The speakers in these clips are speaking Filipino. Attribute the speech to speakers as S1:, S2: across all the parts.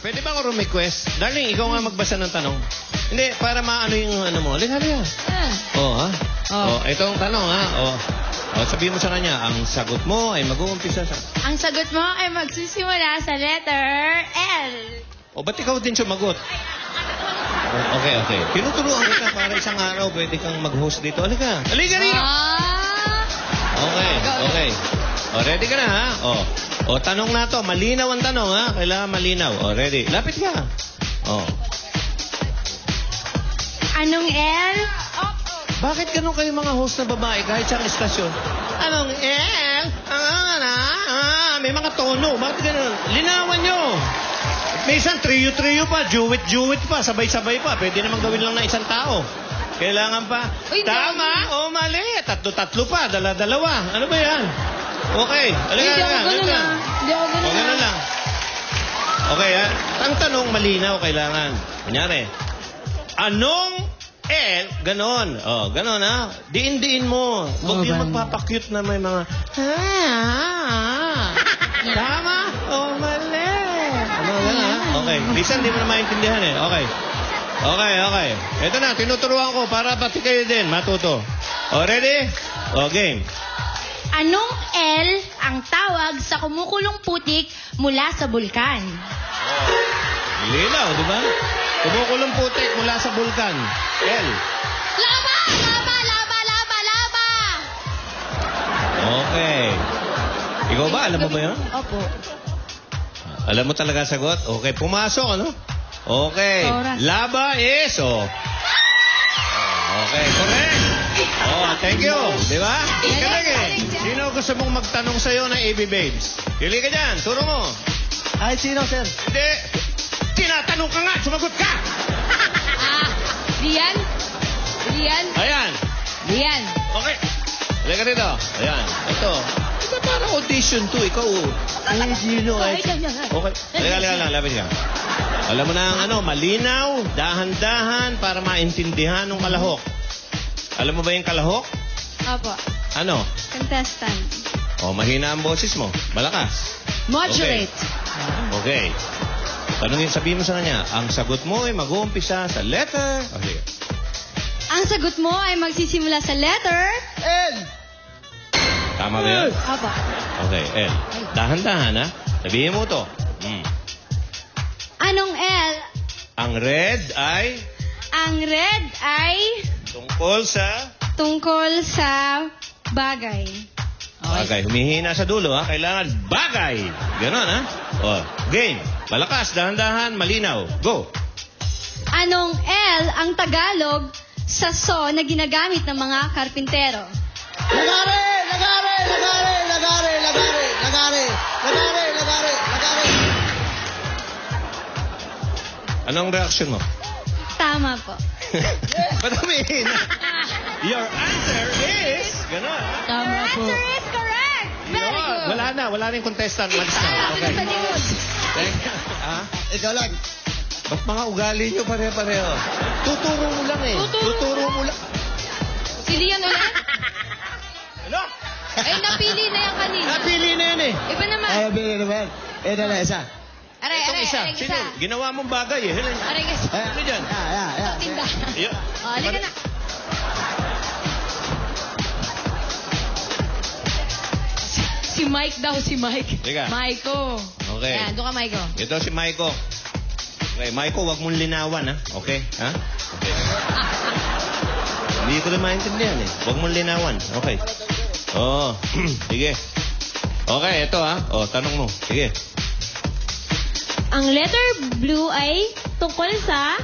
S1: Pwede ba ako request? Darling, ikaw nga magbasa ng tanong. Hindi, para maano yung ano mo. Halika. Oh, ha? Oh, ito ang tanong, ha? Oh, sabihin mo sa kanya, ang sagot mo ay mag-uumpisa sa...
S2: Ang sagot mo ay magsisimula sa letter L.
S1: O, ba't ikaw din sumagot? Okay. Tinuturuan kita para isang araw pwede kang mag-host dito. Halika rito! Okay. O, ready ka na, ha? O, tanong na to. Malinaw ang tanong, ha? Kailangan malinaw. O, ready. Lapit ka. O.
S2: Anong L?
S1: Bakit ganun kayo mga host na babae kahit sa estasyon? Anong L? May mga tono. Bakit ganun? Linawan nyo. Minsan, trio-trio pa. Duet pa. Sabay-sabay pa. Pwede naman gawin lang na isang tao. Kailangan pa.
S2: Uy,
S1: tama o mali. Tatlo-tatlo pa. Dala-dalawa. Ano ba yan? Okay.
S2: Hindi ako ganun
S1: lang. Okay, ha? Ang tanong, malinaw kailangan. Kunyari, anong L? Ganon. O, ganon, ha? Diin-diin mo. Huwag yung magpapakyut na may mga... Tama o mali. Ano, ha? Okay. Minsan, di mo na maintindihan, eh. Okay. Ito na, tinuturuan ko para pati kayo din matuto. O, ready? O, game.
S2: Anong L ang tawag sa kumukulong putik mula sa bulkan?
S1: Linaw, di ba? Kumukulong putik mula sa bulkan. L.
S2: Lava!
S1: Okay. Ikaw ba? Alam mo ba yun?
S2: Opo.
S1: Alam mo talaga sagot? Okay, pumasok, ano? Okay.
S2: Oras.
S1: Lava is, okay, correct. Thank you. Di ba? Galing. Sino gusto mong magtanong sa'yo ng AB Babes? Pili ka dyan. Turo mo.
S3: Ay, sino, sir?
S1: Hindi. Tinatanong ka nga. Sumagot ka.
S2: Rian?
S1: Ayan. Okay. Halika rito. Ayan. Ito parang audition to. Ikaw. Sino? Okay. Halika lang. Lapit ka. Alam mo na ang malinaw, dahan-dahan para maintindihan ng kalahok. Alam mo ba yung kalahok?
S2: Opo.
S1: Ano?
S2: Contestant.
S1: Mahina ang boses mo. Malakas.
S2: Moderate.
S1: Okay. Tanungin, sabihin mo sa kanya, ang sagot mo ay mag-uumpisa sa letter... Okay.
S2: Ang sagot mo ay magsisimula sa letter
S3: L.
S1: Tama ba yun?
S2: Opo.
S1: Okay, L. Dahan-dahan, ha? Sabihin mo to.
S2: Anong L?
S1: Ang red ay...
S2: Ang red ay
S1: tungkol sa
S2: bagay.
S1: bagay. Humihina sa dulo, ha? Kailangan bagay. Ganon, ha? Game. Malakas, dahan-dahan, malinaw. Go.
S2: Anong L ang Tagalog sa so na ginagamit ng mga karpintero?
S3: Lagare!
S1: Anong reaction mo?
S2: Tama po.
S1: Ba't humihina? Your answer is... Ganon, ha?
S3: Tama po.
S2: Answer is correct. Very good.
S1: Wala na yung contestant. Malis na. Okay.
S2: Sa likod.
S1: Thank you. Ha?
S3: Ikaw lang.
S1: Ba't mga ugali nyo pare-pareho? Tuturo mo lang eh. Tuturo mo lang.
S2: Si Lian ulit?
S1: Ano?
S2: Ay, napili na yan kanina.
S1: Napili na yan eh.
S2: Iba naman.
S3: Ay, bili naman. Ito na, isa.
S1: Itong isa. Sino? Ginawa mong bagay eh.
S2: Aray, isa.
S1: Ano dyan?
S2: Tinda.
S1: Yeah.
S2: Halika na. Si Mike daw, si Mike.
S1: Teka.
S2: Maiko.
S1: Okay.
S2: Yan, doon ka, Maiko.
S1: Ito si Maiko. Okay, Maiko, wag mong linawan, ha? Okay? Ha? Okay. Hindi ko na maintindihan, eh. Wag mong linawan. Okay. Sige. Okay, ito, ha? Tanong mo. Sige.
S2: Ang letter blue ay tungkol sa...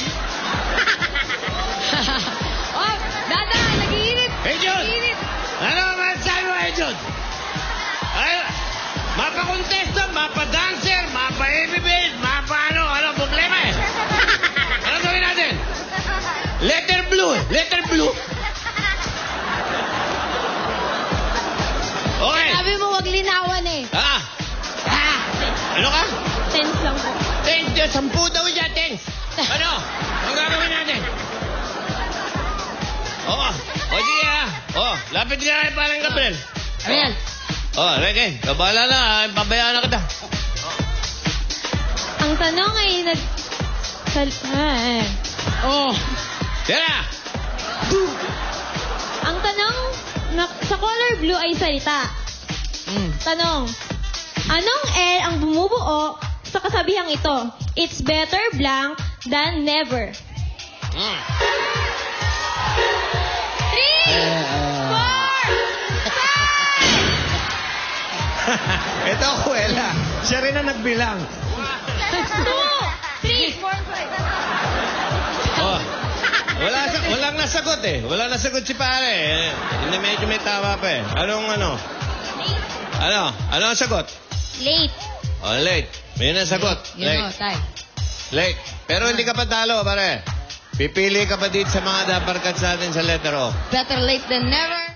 S2: Dada, nag-iinit.
S1: Hey, John!
S2: Nag-iinit.
S1: Ano man sabi mo, John? Ay, mapa-contestant, mapa-dancer, mapa-ebibid, ano problema eh? Ano gawin natin? Letter blue. Okay.
S2: Sabi mo, wag linawan eh.
S1: Ano ka?
S2: Tense lang po.
S1: 10 daw dyan, 10. Ano? Ang gagawin natin? Sige lapit ka kay parang Gabriel.
S2: Ayan.
S1: Rege, bahala na, pabayaan na kita.
S4: Ang tanong ay
S1: Oh! Tira!
S4: Ang tanong sa color blue ay salita. Tanong, anong L ang bumubuo sa kasabihang ito? It's better blank than never. 3, 4,
S1: Ito, Kuwela. Siya rin ang nagbilang.
S4: 2, 3, 4, 5.
S1: Oh. Walang nasagot eh. Walang nasagot si pare. Hindi medyo may tama pa eh. Anong ano? Ano ang sagot?
S4: Late.
S1: Oh, late. May nasagot. Late. Late. Pero hindi ka pa talo, pare. Pipili ka pa dito sa mga daparkat sa atin sa letter O.
S2: Better late than never.